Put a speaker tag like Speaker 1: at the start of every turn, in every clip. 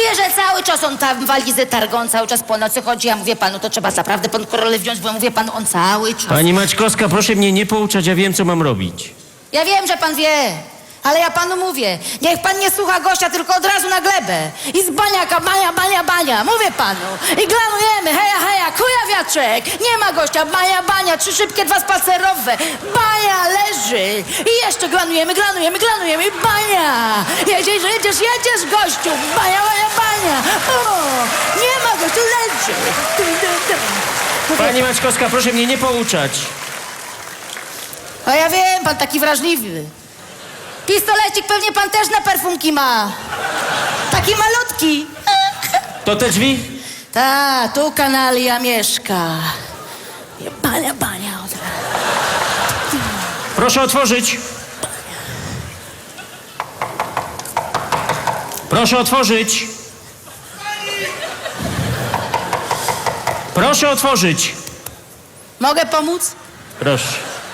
Speaker 1: Mówię, że cały czas on tam walizę targą, on cały czas po nocy chodzi. Ja mówię panu, to trzeba naprawdę pod kontrolę wziąć, bo mówię panu, on cały czas...
Speaker 2: Pani Maćkowska, proszę mnie nie pouczać, ja wiem, co mam robić.
Speaker 1: Ja wiem, że pan wie, ale ja panu mówię, niech pan nie słucha gościa, tylko od razu na glebę. I z baniaka, bania, bania, bania, mówię panu. I glanujemy, heja, heja, kujawiaczek. Nie ma gościa, bania, bania, 3 szybkie, 2 spacerowe. Bania leży. I jeszcze glanujemy, glanujemy, glanujemy i bania. Jedziesz, jedziesz, jedziesz, gościu. Bania, bania, bania. O, nie ma gościu, leży.
Speaker 2: Pani Maćkowska, proszę mnie nie pouczać.
Speaker 1: A ja wiem, pan taki wrażliwy. Pistolecik pewnie pan też na perfumki ma. Taki malutki.
Speaker 2: To te drzwi?
Speaker 1: Ta, tu kanalia mieszka. Bania, bania od razu.
Speaker 2: Proszę otworzyć. Proszę otworzyć. Proszę otworzyć.
Speaker 1: Mogę pomóc?
Speaker 2: Proszę.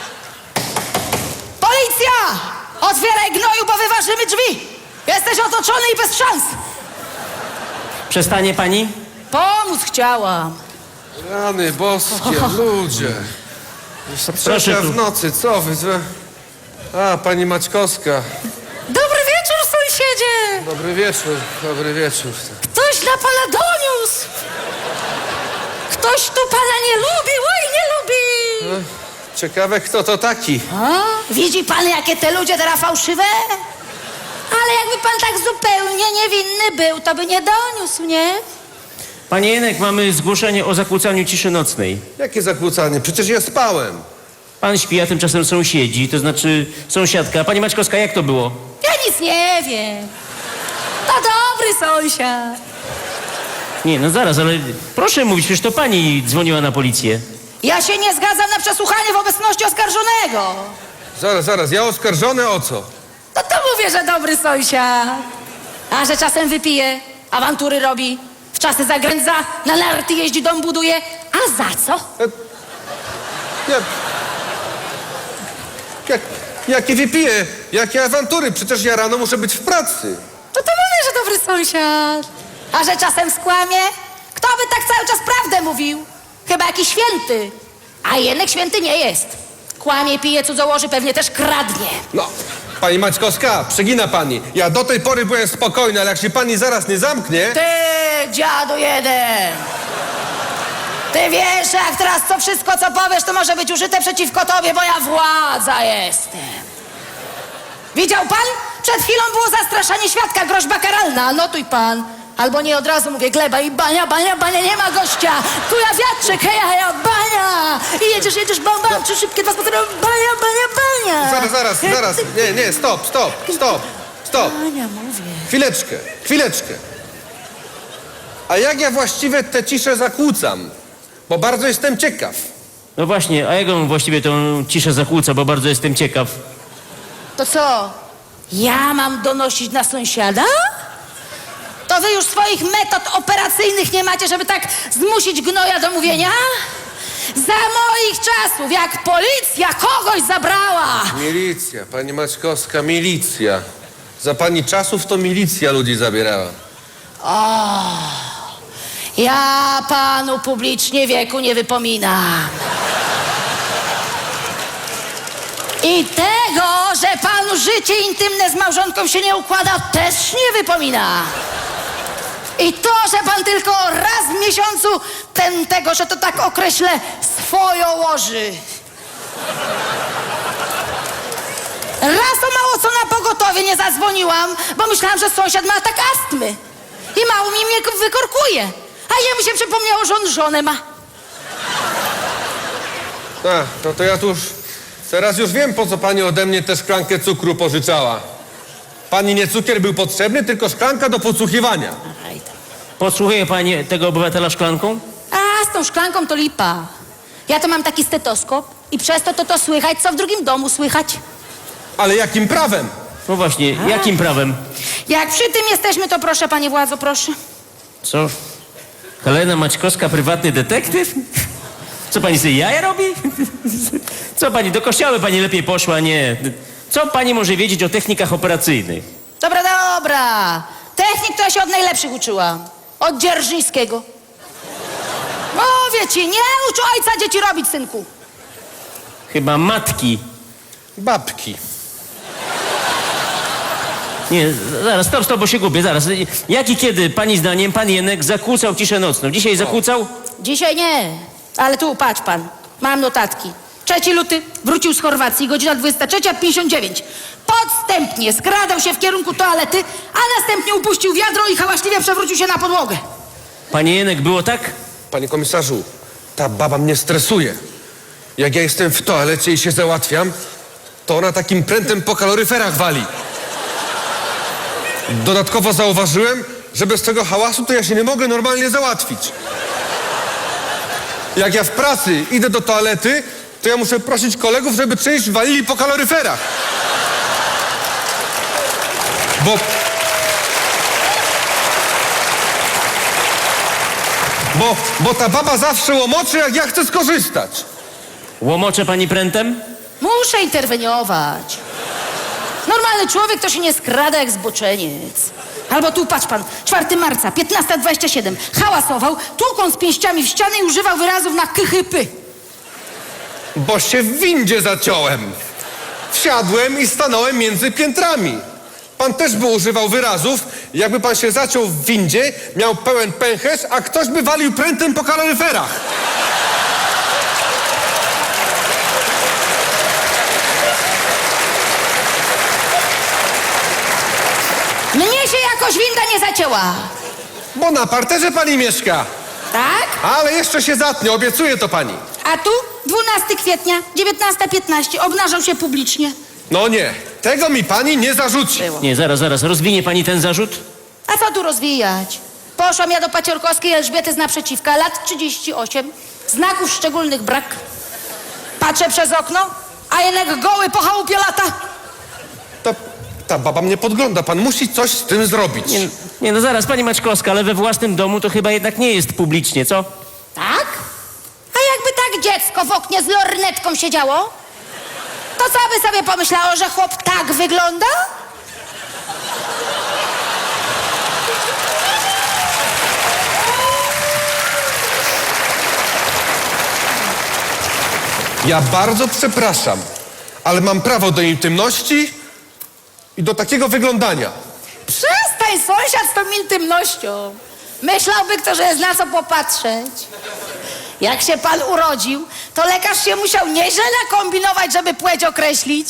Speaker 1: Policja! Otwieraj gnoju, bo wyważymy drzwi. Jesteś otoczony i bez szans.
Speaker 2: Przestanie pani?
Speaker 1: Pomóc chciałam.
Speaker 3: Rany boskie, ludzie. Jeszcze
Speaker 2: Proszę
Speaker 3: trzecia
Speaker 2: tu.
Speaker 3: w nocy, co wy? A, pani Maćkowska.
Speaker 1: Dobry wieczór, sąsiedzie.
Speaker 3: Dobry wieczór, dobry wieczór.
Speaker 1: Ktoś na pana doniósł. Ktoś tu pana nie lubi, oj, nie lubi.
Speaker 3: Ciekawe, kto to taki.
Speaker 1: A? Widzi pan, jakie te ludzie teraz fałszywe? Ale jakby pan tak zupełnie niewinny był, to by nie doniósł, nie?
Speaker 2: Panie Jenek, mamy zgłoszenie o zakłócaniu ciszy nocnej.
Speaker 3: Jakie zakłócanie? Przecież ja spałem.
Speaker 2: Pan śpi, a tymczasem sąsiedzi, to znaczy sąsiadka. Pani Maćkowska, jak to było?
Speaker 1: Ja nic nie wiem. To dobry sąsiad.
Speaker 2: Nie, no zaraz, ale proszę mówić, przecież to pani dzwoniła na policję.
Speaker 1: Ja się nie zgadzam na przesłuchanie w obecności oskarżonego.
Speaker 3: Zaraz, ja oskarżony o co?
Speaker 1: No to mówię, że dobry sąsiad. A że czasem wypije, awantury robi, w czasy zagrędza, na narty jeździ, dom buduje. A za co?
Speaker 3: Jakie wypije? Jakie awantury? Przecież ja rano muszę być w pracy.
Speaker 1: No to mówię, że dobry sąsiad. A że czasem skłamie? Kto by tak cały czas prawdę mówił? Chyba jakiś święty. A jednak święty nie jest. Kłamie, pije, cudzołoży, pewnie też kradnie.
Speaker 3: No, pani Maćkowska, przegina pani. Ja do tej pory byłem spokojny, ale jak się pani zaraz nie zamknie...
Speaker 1: Ty, dziadu jeden! Ty wiesz, jak teraz to wszystko, co powiesz, to może być użyte przeciwko tobie, bo ja władza jestem. Widział pan? Przed chwilą było zastraszanie świadka, groźba karalna. Notuj pan. Albo nie, od razu mówię, gleba i bania, bania, bania, nie ma gościa. Tu ja wiatrzyk, heja, heja, bania. I jedziesz, bam, bam, 3 szybkie, 2 spacerowe, bania, bania, bania.
Speaker 3: Zaraz. Nie, stop.
Speaker 1: Bania, mówię.
Speaker 3: Chwileczkę. A jak ja właściwie tę ciszę zakłócam? Bo bardzo jestem ciekaw.
Speaker 2: No właśnie, a jak on właściwie tą ciszę zakłóca, bo bardzo jestem ciekaw.
Speaker 1: To co? Ja mam donosić na sąsiada? To wy już swoich metod operacyjnych nie macie, żeby tak zmusić gnoja do mówienia? Za moich czasów, jak policja kogoś zabrała.
Speaker 3: Milicja, pani Maćkowska, milicja. Za pani czasów to milicja ludzi zabierała.
Speaker 1: Ja panu publicznie wieku nie wypominam. I tego, że panu życie intymne z małżonką się nie układa, też nie wypomina. I to, że pan tylko raz w miesiącu tego, że to tak określę, swoją łoży. Raz to mało co na pogotowie nie zadzwoniłam, bo myślałam, że sąsiad ma atak astmy. I mało mi mnie wykorkuje. A jemu się przypomniało, że on żonę ma.
Speaker 3: No to ja tu już... Teraz już wiem, po co pani ode mnie tę szklankę cukru pożyczała. Pani nie cukier był potrzebny, tylko szklanka do podsłuchiwania.
Speaker 2: Podsłuchuje pani tego obywatela szklanką?
Speaker 1: A z tą szklanką to lipa. Ja to mam taki stetoskop i przez to słychać, co w drugim domu słychać.
Speaker 3: Ale jakim prawem?
Speaker 2: No właśnie, jakim prawem?
Speaker 1: Jak przy tym jesteśmy, to proszę, panie władzo, proszę.
Speaker 2: Co? Helena Maćkowska, prywatny detektyw? Co pani sobie jaja robi? Co pani, do kościoła pani lepiej poszła, nie? Co pani może wiedzieć o technikach operacyjnych?
Speaker 1: Dobra. Technik to ja się od najlepszych uczyłam. Od Dzierżyńskiego. Mówię ci, nie ucz ojca dzieci robić, synku.
Speaker 2: Chyba matki.
Speaker 3: Babki.
Speaker 2: Nie, zaraz, stop, bo się gubię, zaraz. Jak i kiedy, pani zdaniem, pan Jenek zakłócał ciszę nocną? Dzisiaj zakłócał?
Speaker 1: Dzisiaj nie, ale tu patrz pan, mam notatki. 3 luty, wrócił z Chorwacji, godzina 23:59. Podstępnie skradał się w kierunku toalety, a następnie upuścił wiadro i hałaśliwie przewrócił się na podłogę.
Speaker 2: Panie Jenek, było tak?
Speaker 3: Panie komisarzu, ta baba mnie stresuje. Jak ja jestem w toalecie i się załatwiam, to ona takim prętem po kaloryferach wali. Dodatkowo zauważyłem, że bez tego hałasu to ja się nie mogę normalnie załatwić. Jak ja w pracy idę do toalety, to ja muszę prosić kolegów, żeby część walili po kaloryferach. Bo ta baba zawsze łomoczy, jak ja chcę skorzystać.
Speaker 2: Łomocze pani prętem?
Speaker 1: Muszę interweniować. Normalny człowiek to się nie skrada jak zboczeniec. Albo tu, patrz pan, 4 marca, 15:27. Hałasował, tłukąc pięściami w ścianę i używał wyrazów na kychypy.
Speaker 3: Bo się w windzie zaciąłem. Wsiadłem i stanąłem między piętrami. Pan też by używał wyrazów, jakby pan się zaciął w windzie, miał pełen pęcherz, a ktoś by walił prętem po kaloryferach.
Speaker 1: Mnie się jakoś winda nie zacięła.
Speaker 3: Bo na parterze pani mieszka.
Speaker 1: Tak?
Speaker 3: Ale jeszcze się zatnie, obiecuję to pani.
Speaker 1: A tu 12 kwietnia, 19:15, obnażał się publicznie.
Speaker 3: No nie, tego mi pani nie zarzuci.
Speaker 2: Nie, zaraz, rozwinie pani ten zarzut?
Speaker 1: A co tu rozwijać? Poszłam ja do Paciorkowskiej Elżbiety z naprzeciwka, lat 38, znaków szczególnych brak. Patrzę przez okno, a Jenek goły po chałupie lata.
Speaker 3: Ta baba mnie podgląda, pan musi coś z tym zrobić.
Speaker 2: Nie, no zaraz, pani Maćkowska, ale we własnym domu to chyba jednak nie jest publicznie, co?
Speaker 1: Tak? A jakby tak dziecko w oknie z lornetką siedziało? To co by sobie pomyślało, że chłop tak wygląda?
Speaker 3: Ja bardzo przepraszam, ale mam prawo do intymności i do takiego wyglądania.
Speaker 1: Przestań, sąsiad, z tą intymnością. Myślałby kto, że jest na co popatrzeć. Jak się pan urodził, to lekarz się musiał nieźle nakombinować, żeby płeć określić.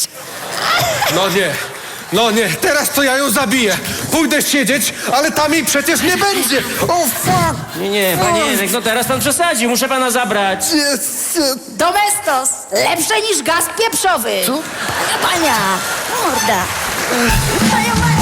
Speaker 3: No nie, teraz to ja ją zabiję. Pójdę siedzieć, ale tam jej przecież nie będzie. O, fuck!
Speaker 2: Nie, panie Jenek, no teraz pan przesadził, muszę pana zabrać.
Speaker 1: Domestos, lepsze niż gaz pieprzowy. Co? Pania, morda. Pania,